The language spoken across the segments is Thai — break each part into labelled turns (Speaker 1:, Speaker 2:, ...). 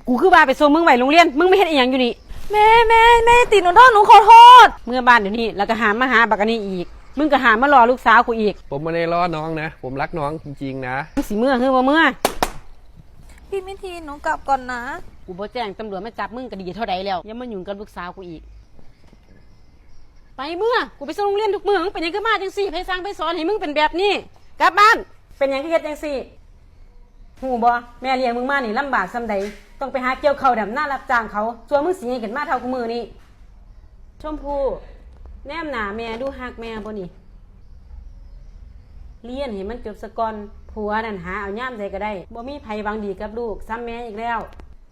Speaker 1: กูคือว่าไปส่งมึงไว้โรงเรียนมึงไม่เห็นอีหยังอยู่นี่
Speaker 2: แม่ติดหนูโทษหนูขอโทษ
Speaker 1: เมื่อบ้านเดี๋ยวนี้แล้วก็หามาหาบักอันนี้อีกมึงก็หามารอลูกสาวกูอีก
Speaker 3: ผมไม่ได้ล้อน้องนะผมรักน้องจริงๆนะ
Speaker 1: มึงสิเมื่อคือบ่เมื่อ
Speaker 2: พี่มิทีนหนูกลับก่อนนะ
Speaker 1: กูบ่แจ้งตำรวจมาจับมึงก็ดีเท่าใดแล้วอย่ามายุ่งกับลูกสาวกูอีกไปเมื่อกูไปส่งโรงเรียนทุกมื้อมึงเป็นหยังก็มาจังซี่ไผสั่งไผสอนให้มึงเป็นแบบนี้กลับบ้านเป็นหยังคือเฮ็ดจังซี่หูบ่แม่เลี้ยงมึงมานี่ลำบากซำใดต้องไปหาเกี่ยวข้าวดำหน้ารับจ้างเขาส่วนมึงสิให้ขึ้นมาเท่ากูมื้อนี้ชมพู่แนมหน้าแม่ดูฮักแม่บ่นี่เรียนให้มันจบซะก่อนผัวนั่นหาเอาย่ามใดก็ได้บ่มีไผหวังดีกับลูกซ้ำแม่อีกแล้ว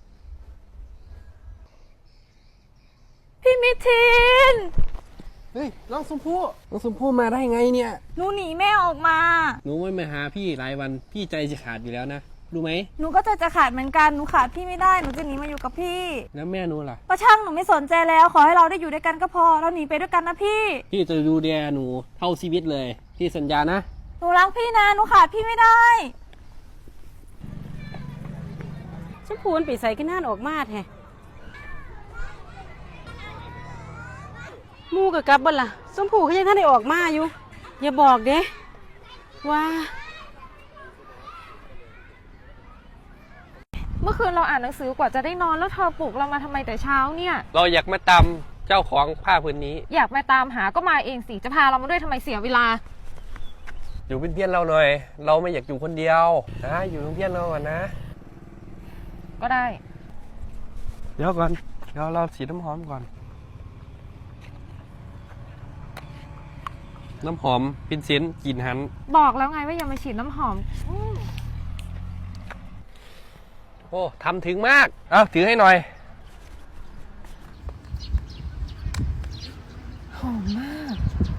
Speaker 2: พี่มิทีน
Speaker 3: เฮ้ยน้องชมพู่มาได้ไงเนี่ย
Speaker 2: หนูหนีแม่ออกมา
Speaker 3: หนูไม่มาหาพี่หลายวันพี่ใจจะขาดอยู่แล้วนะรู้ไหม
Speaker 2: หนูก็จะขาดเหมือนกันหนูขาดพี่ไม่ได้หนูจะหนีมาอยู่กับพี่
Speaker 3: แล้วแม่หนูล่ะ
Speaker 2: ป้าช่างหนูไม่สนใจแล้วขอให้เราได้อยู่ด้วยกันก็พอเราหนีไปด้วยกันนะพี่
Speaker 3: จะดูแลหนูเท่าชีวิตเลยพี่สัญญานะ
Speaker 2: หนูรักพี่นะหนูขาดพี่ไม่ได้
Speaker 1: ชมพูนปีใส่ขึ้นหน้าออกมาแท้มูกับกลับบ่ล่ะชมพูเขายังท่านได้ออกมาอยู่อย่าบอกเด้ว่า
Speaker 2: เมื่อคืนเราอ่านหนังสือกว่าจะได้นอนแล้วเธอปลุกเรามาทำไมแต่เช้าเนี่ย
Speaker 3: เราอยากมาตามเจ้าของผ้าผืนนี้
Speaker 2: อยากมาตามหาก็มาเองสิจะพาเรามาด้วยทำไมเสียเวลา
Speaker 3: อยู่เป็นเพื่อนเราหน่อยเราไม่อยากอยู่คนเดียวนะอยู่เป็นเพื่อนเราก่อนนะ
Speaker 2: ก็ได้
Speaker 3: เดี๋ยวก่อนเราฉีดน้ำหอมก่อนน้ำหอมเป็นเซนกลิ่นหัน
Speaker 2: บอกแล้วไงว่าอย่ามาฉีดน้ำหอม
Speaker 3: โอ้ทำถึงมากเอาถือให้หน่อย
Speaker 2: หอมมาก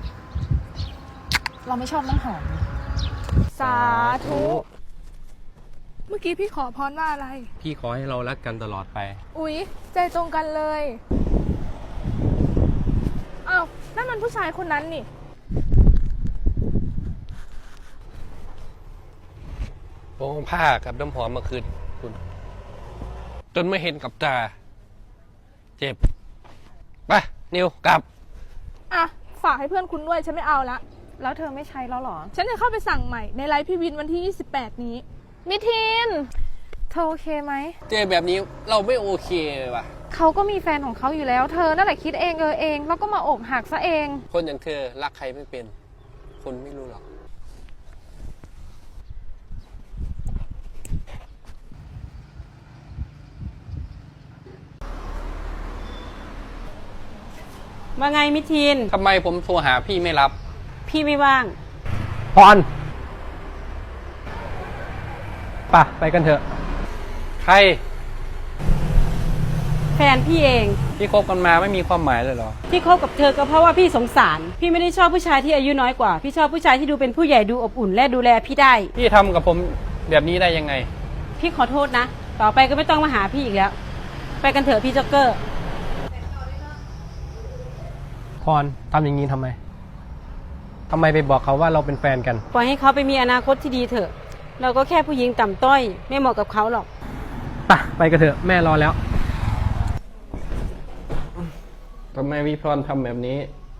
Speaker 2: เราไม่ชอบน้ำหอมสาธุเมื่อกี้พี่ขอพรว่าอะไร
Speaker 3: พี่ขอให้เรารักกันตลอดไป
Speaker 2: อุ๊ยใจตรงกันเลยอ้าวนั่นมันผู้ชายคนนั้นนี่
Speaker 3: โอ้ผ้ากับน้ำหอมมาคืนคุณจนไม่เห็นกับตาเจ็บไปนิวกลับ
Speaker 2: อ่ะฝากให้เพื่อนคุณด้วยฉันไม่เอาละแล้วเธอไม่ใช้แล้วหรอฉันจะเข้าไปสั่งใหม่ในไลฟ์พี่วินวันที่28นี้มิทีนเธอโอเคไหม
Speaker 3: เจอแบบนี้เราไม่โอเคเลยว่ะ
Speaker 2: เขาก็มีแฟนของเขาอยู่แล้วเธอนั่นแหละคิดเองเองแล้วก็มาอกหักซะเอง
Speaker 3: คนอย่างเธอรักใครไม่เป็นคนไม่รู้หรอก
Speaker 1: ว่าไงมิทีน
Speaker 3: ทำไมผมโทรหาพี่ไม่รับ
Speaker 1: พี่ไม่ว่าง
Speaker 3: พรไปกันเถอะใคร
Speaker 1: แฟนพี่เอง
Speaker 3: ที่คบกันมาไม่มีความหมายเลยเหรอ
Speaker 1: ที่คบกับเธอก็เพราะว่าพี่สงสารพี่ไม่ได้ชอบผู้ชายที่อายุน้อยกว่าพี่ชอบผู้ชายที่ดูเป็นผู้ใหญ่ดูอบอุ่นและดูแลพี่ได้
Speaker 3: พี่ทำกับผมแบบนี้ได้ยังไง
Speaker 1: พี่ขอโทษนะต่อไปก็ไม่ต้องมาหาพี่อีกแล้วไปกันเถอะพี่จ็อกเกอร์
Speaker 3: พรทำอย่างนี้ทำไมไปบอกเขาว่าเราเป็นแฟนกัน
Speaker 1: ปล่อยให้เขาไปมีอนาคตที่ดีเถอะเราก็แค่ผู้หญิงต่ำต้อยไม่เหมาะกับเขาหรอก
Speaker 3: ไปกันเถอะแม่รอแล้วทำไมวิพรทำแบบนี้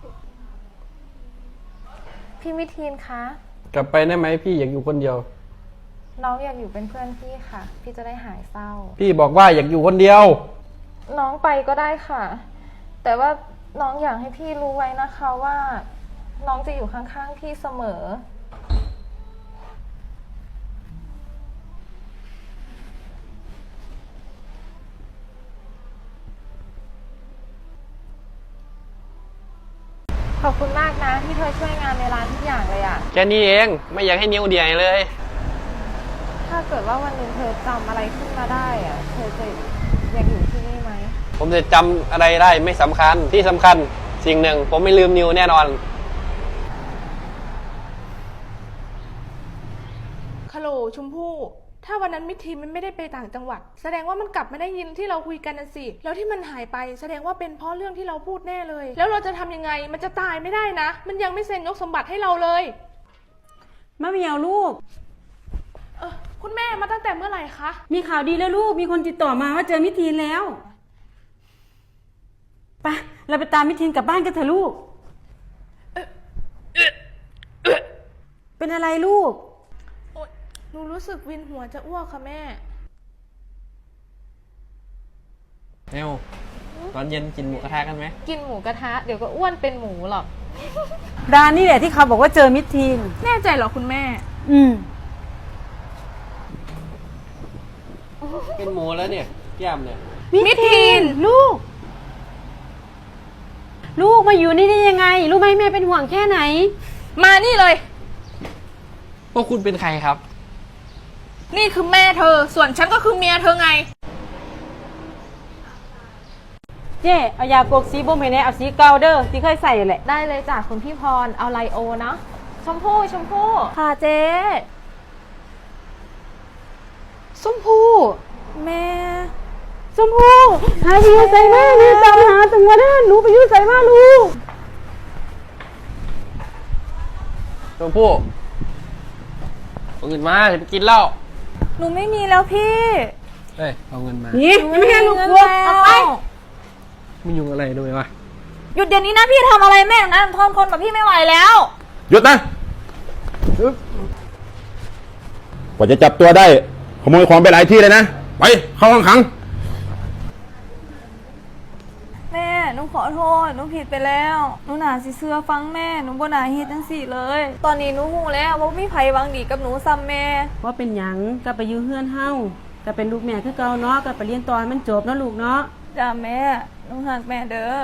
Speaker 2: พี่มิทีนคะ
Speaker 3: กลับไปได้ไหมพี่อยากอยู่คนเดียว
Speaker 2: น้องอยากอยู่เป็นเพื่อนพี่ค่ะพี่จะได้หายเศร้า
Speaker 3: พี่บอกว่าอยากอยู่คนเดียว
Speaker 2: น้องไปก็ได้ค่ะแต่ว่าน้องอยากให้พี่รู้ไว้นะคะว่าน้องจะอยู่ข้างๆพี่เสมอขอบคุณมากนะที่เธอช่วยงานในร้านทุกอย่างเลยอะ
Speaker 3: แค่นี้เองไม่อยากให้นิ้วเดียเลย
Speaker 2: ถ้าเกิดว่าวันหนึ่งเธอจำอะไรขึ้นมาได้อะเธอจะยังอยู่ที่นี่ไหม
Speaker 3: ผมจะจำอะไรได้ไม่สำคัญที่สำคัญสิ่งหนึ่งผมไม่ลืมนิวแน่นอน
Speaker 2: คาโหลชมพู่ถ้าวันนั้นมิทีมันไม่ได้ไปต่างจังหวัดแสดงว่ามันกลับมาได้ยินที่เราคุยกันนั่นสิแล้วที่มันหายไปแสดงว่าเป็นเพราะเรื่องที่เราพูดแน่เลยแล้วเราจะทำยังไงมันจะตายไม่ได้นะมันยังไม่เซ็นยกสมบัติให้เราเลย
Speaker 1: มะเหมียวลูก
Speaker 2: คุณแม่มาตั้งแต่เมื่อไหร่คะ
Speaker 1: มีข่าวดีแล้วลูก มีคนติดต่อมาว่าเจอมิทีนแล้วไปเราไปตามมิทีนกลับบ้านกันเถอะลูก เป็นอะไรลูก
Speaker 2: โอ๊ยหนูรู้สึกวินหัวจะอ้วกค่ะแม่
Speaker 3: เนวตอนเย็นกินหมูกระทะกันไหม
Speaker 4: กินหมูกระทะเดี๋ยวก็อ้วนเป็นหมูหรอก
Speaker 1: ร้านนี่แหละที่เขาบอกว่าเจอมิทีน
Speaker 2: แน่ใจเหรอคุณแม่
Speaker 3: เป็นหมูแล้วเนี่ยแก้มเนี่ย
Speaker 1: มิทีนลูก ลูกมาอยู่นี่ได้ยังไง รู้ไหมแม่เป็นห่วงแค่ไหน
Speaker 2: มานี่เลย
Speaker 3: พวกคุณเป็นใครครับ
Speaker 2: นี่คือแม่เธอ ส่วนฉันก็คือเมียเธอไง
Speaker 1: เจ๊เอายาปลวกสีบ่มให้แน่เอาสีเก่าเด้อที่เคยใส่แหละ
Speaker 4: ได้เลยจ้ะคุณพี่พรเอาไลโอเนาะชมพู่ชมพู่
Speaker 1: ค่ะเจ๊ส้มพู่แม่ส้มพู่หาพี่ใส่มานี่ตามหาถึงวันนั้นหนูไปยุ่งใส่มาลูก
Speaker 3: ชมพู่เอาเงินมาจะไปกินเหล้า
Speaker 4: หนูไม่มีแล้วพี่
Speaker 3: เฮ้ยเอาเงินมา
Speaker 1: นี่ไม่ให้ลูกกลัวเอาไป
Speaker 3: ไม่ยุ่งอะไรด้วยวะ
Speaker 4: หยุดเดี๋ยวนี้นะพี่ทำอะไรแม่นะทนคนแบบพี่ไม่ไหวแล้ว
Speaker 5: หยุดนะกว่าจะจับตัวได้ ขโมยของไปหลายที่เลยนะ ไป เข้าห้องขัง
Speaker 4: แม่หนูขอโทษหนูผิดไปแล้วหนูหนาสิเสื้อฟังแม่หนูบ่หนาเฮ็ดจังสี่เลย ตอนนี้หนูหูแล้วว่ามีไผหวังดีกับหนูซ้ำแม่
Speaker 1: ว่าเป็นหยังก็ไปอยู่เฮือนเฮาก็เป็นลูกแม่คือเก่าเนาะก็ไปเรียนตอนมันจบเนาะลูกเนาะ
Speaker 4: จ้าแม่หนูหักแม่เด้อ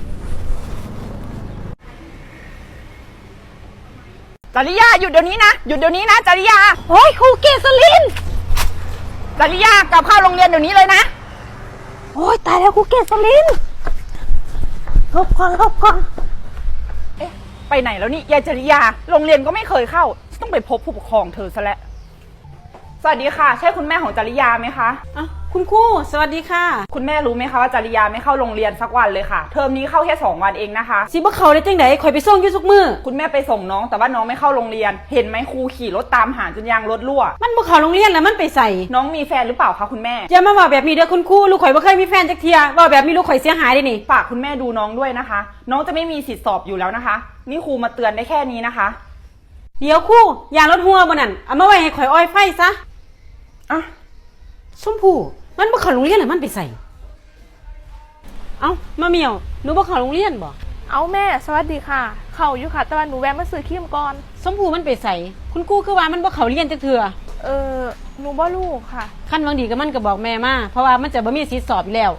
Speaker 6: จริยาหยุดเดี๋ยวนี้นะหยุดเดี๋ยวนี้นะจริยาโอ้ยครูเกษลินจริยากลับเข้าโรงเรียนเดี๋ยวนี้เลยนะโอ้ยตายแล้วครูเกษลินหลบก่อนเอ๊ะไปไหนแล้วนี่ยายจริยาโรงเรียนก็ไม่เคยเข้าต้องไปพบผู้ปกครองเธอซะแล้วสวัสดีค่ะใช่คุณแม่ของจริยาไหมคะ
Speaker 1: อ่ะคุณครูสวัสดีค่ะ
Speaker 6: คุณแม่รู้ไหมคะว่าจริยาไม่เข้าโรงเรียนสักวันเลยค่ะเทอมนี้เข้าแค่2 วันเองนะคะ
Speaker 1: สิบ่เขาได้จังได๋ข่อยไปส่งอยู่ทุกมื้อ
Speaker 6: คุณแม่ไปส่งน้องแต่ว่าน้องไม่เข้าโรงเรียน เห็นไหมครูขี่รถตามหาจนยางรถรั่ว
Speaker 1: มันบ่เข้าโรงเรียนแล้วมันไปใส่
Speaker 6: น้องมีแฟนหรือเปล่าคะคุณแม่
Speaker 1: อย่ามาว่าแบบนี้เด้อคุณครูลูกข่อยบ่เคยมีแฟนจักเที่ยเว้าแบบนี้ลูกข่อยเสียหายเด้นี่
Speaker 6: ฝากคุณแม่ดูน้องด้วยนะคะ น้องจะไม่มีสิทธิสอบอยู่แล้วนะคะ นี่ครูมาเตือนได้แค่นี้นะคะ
Speaker 1: เดี๋ยวครูยางรถหัวบ่นั่นเอามาไว้ให้ข่อยอ้อยไฟซะ
Speaker 6: อ่ะ
Speaker 1: ชมพู่มันบ่เข้าโรงเรียนแล้วมันไปใส่เอ้ามาเหมียวหนูบ่เข้าโรงเรียนบ่
Speaker 2: เอาแม่สวัสดีค่ะ เข้าอยู่ค่ะ แต่ว่าหนูแวะมาซื้อครีมก่อน
Speaker 1: ชมพู่มันไปใส่คุณครูคือว่ามันบ่เข้าเรียนจักเทื่อ
Speaker 2: หนูบ่ลูกค่ะ
Speaker 1: คันหวังดีก็มันก็บอกแม่มาเพราะว่ามันจะบ่มีสิทธิ์สอบอยู่แล้ว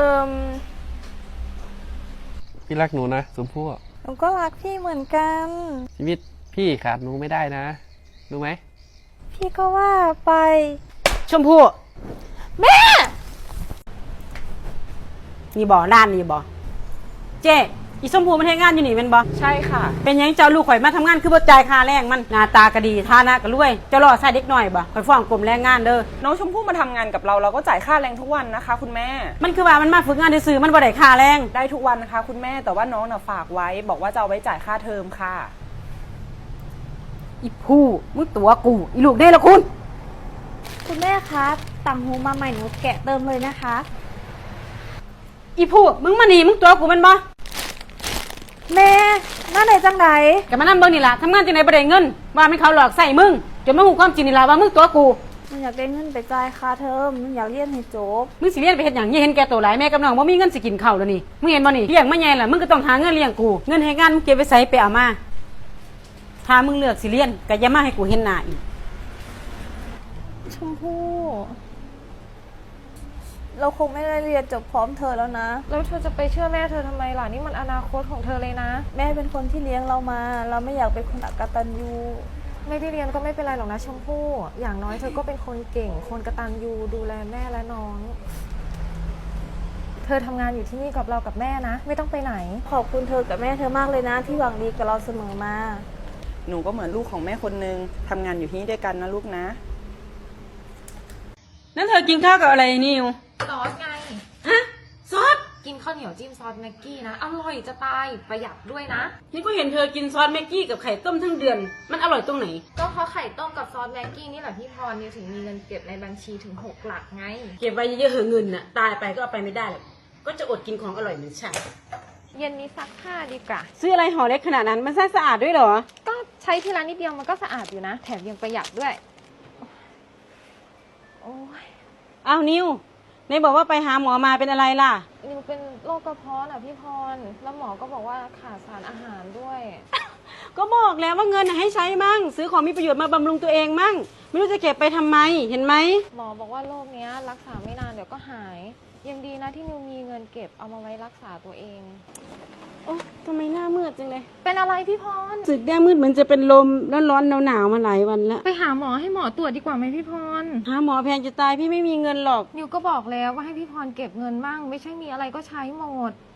Speaker 3: พี่รักหนูนะชมพู่
Speaker 4: หนูก็รักพี่เหมือนกัน
Speaker 3: ชีวิตพี่ขาดหนูไม่ได้นะรู้ไหม
Speaker 4: พี่ก็ว่าไป
Speaker 1: ชมพู่แม่นี่บ่ร้านนี่บ่เจ๊อีชมพู่มันเฮ็ดงานอยู่นี่แม่นบ่
Speaker 6: ใช่ค่ะ
Speaker 1: เป็นหยังเจ้าลูกข่อยมาทำงานคือบ่จ่ายค่าแรงมันหน้าตาก็ดีฐานะก็รวยเจ้ารอใส่เด็กน้อยบ่ข่อยฟ้องกรมแรงงานเด้อ
Speaker 6: น้องชมพู่มาทำงานกับเราเราก็จ่ายค่าแรงทุกวันนะคะ คุณแม่
Speaker 1: มันคือว่ามันมาฝึกงานซื่อๆมันบ่ได้ค่าแรง
Speaker 6: ได้ทุกวันนะคะ คุณแม่แต่ว่าน้องน่ะฝากไว้ บอกว่าจะเอาไว้จ่ายค่าเทอมค่ะ
Speaker 1: อีผู้มึงตัวกูอีลูกเด้ละคุณ
Speaker 4: คุณแม่ครับต่างหูมาใหม่หนูแกะเติมเลยนะคะ
Speaker 1: อีผู้มึงมานี่มึงตัวกูแมันบ่
Speaker 4: แม่น่าไหนจังไหน
Speaker 1: ก็มานั่เบิ่งนี่ล่ะทำงานจังได๋บ่ได้เงินว่ามันเขาหลอกใส่มึงจนมาฮู้ความจริงนี่ล่ะว่ามึงตัวกู
Speaker 4: หนูอยากได้เงินไปจ่ายค่าเทอมหนูอยากเรียนให้จบ
Speaker 1: มึงสิเรียนไปเฮ็ดหยังอย่าเห็นแก่ตัวหลายแม่กับน้องบ่มีเงินสิกินข้าวแล้วนี่มึงเห็นบ่นี่เลี้ยงมาใหญ่ล่ะมึงก็ต้องหาเงินเลี้ยงกูเงินให้งานมึงเก็บไว้ใส่ไปเอามาถ้ามึงเลือกสิเรียนก็อย่ามาให้กูเห็นหน้าอีก
Speaker 4: ชมพู่เราคงไม่ได้เรียนจบพร้อมเธอแล้วนะ
Speaker 7: แล้วเธอจะไปเชื่อแม่เธอทำไมล่ะนี่มันอนาคตของเธอเลยนะ
Speaker 4: แม่เป็นคนที่เลี้ยงเรามา เราไม่อยากเป็นคนอกตัญญู
Speaker 7: ไม่ได้เรียนก็ไม่เป็นไรหรอกนะชมพู่อย่างน้อยเธอก็เป็นคนเก่ง คนกตัญญูดูแลแม่และน้อง เธอทำงานอยู่ที่นี่กับเรากับแม่นะ ไม่ต้องไปไหน
Speaker 4: ขอบคุณเธอกับแม่เธอมากเลยนะ ที่หวังดีกับเราเสมอมา
Speaker 6: หนูก็เหมือนลูกของแม่คนนึงทำงานอยู่ที่นี่ด้วยกันนะลูกนะ
Speaker 1: นั่นเธอกินข้าวกับอะไรนิว
Speaker 7: ซอสไง
Speaker 1: ฮะซอส
Speaker 7: กินข้าวเหนียวจิ้มซอสแม็กกี้นะ อร่อยจะตาย ประหยัดด้วยนะ
Speaker 1: นี่ก็เห็นเธอกินซอสแม็กกี้กับไข่ต้มทั้งเดือน มันอร่อยตรงไหน
Speaker 7: ก็เพราะไข่ต้มกับซอสแม็กกี้นี่แหละพี่พรนิวถึงมีเงินเก็บในบัญชีถึง6 หลักไง
Speaker 1: เก็บไว้เยอะๆเหอะเงินน่ะ ตายไปก็เอาไปไม่ได้หรอกก็จะอดกินของอร่อยเหมือนฉัน
Speaker 7: เย็นนี้ซักผ้าดีกว่า
Speaker 1: ซื้ออะไรห่อเล็กขนาดนั้นมันสะอาดด้วยเหรอ
Speaker 7: ก็ใช้ทีละนิดเดียวมันก็สะอาดอยู่นะ แถมยังประหยัดด้วย โอ้ย
Speaker 1: อ้าวนิวไหนบอกว่าไปหาหมอมาเป็นอะไรล่ะ
Speaker 7: นิวเป็นโรคกระเพาะน่ะพี่พร แล้วหมอก็บอกว่าขาดสารอาหารด้วย
Speaker 1: ก็บอกแล้วว่าเงินน่ะให้ใช้มั่ง ซื้อของมีประโยชน์มาบำรุงตัวเองมั่ง ไม่รู้จะเก็บไปทำไม เห็นไหม
Speaker 7: หมอบอกว่าโรคเนี้ยรักษาไม่นานเดี๋ยวก็หาย ยังดีนะที่นิวมีเงินเก็บเอามาไว้รักษาตัวเอง
Speaker 1: โอ้ทำไมหน้ามืดจังเลย
Speaker 7: เป็นอะไรพี่พร
Speaker 1: รู้สึกหน้ามืดเหมือนจะเป็นลมร้อนๆหนาวๆมาหลายวันแล้ว
Speaker 7: ไปหาหมอให้หมอตรวจดีกว่าไหมพี่พร
Speaker 1: หาหมอแพงจะตายพี่ไม่มีเงินหรอก
Speaker 7: นิวก็บอกแล้วว่าให้พี่พรเก็บเงินบ้าง ไม่ใช่มีอะไรก็ใช้หมด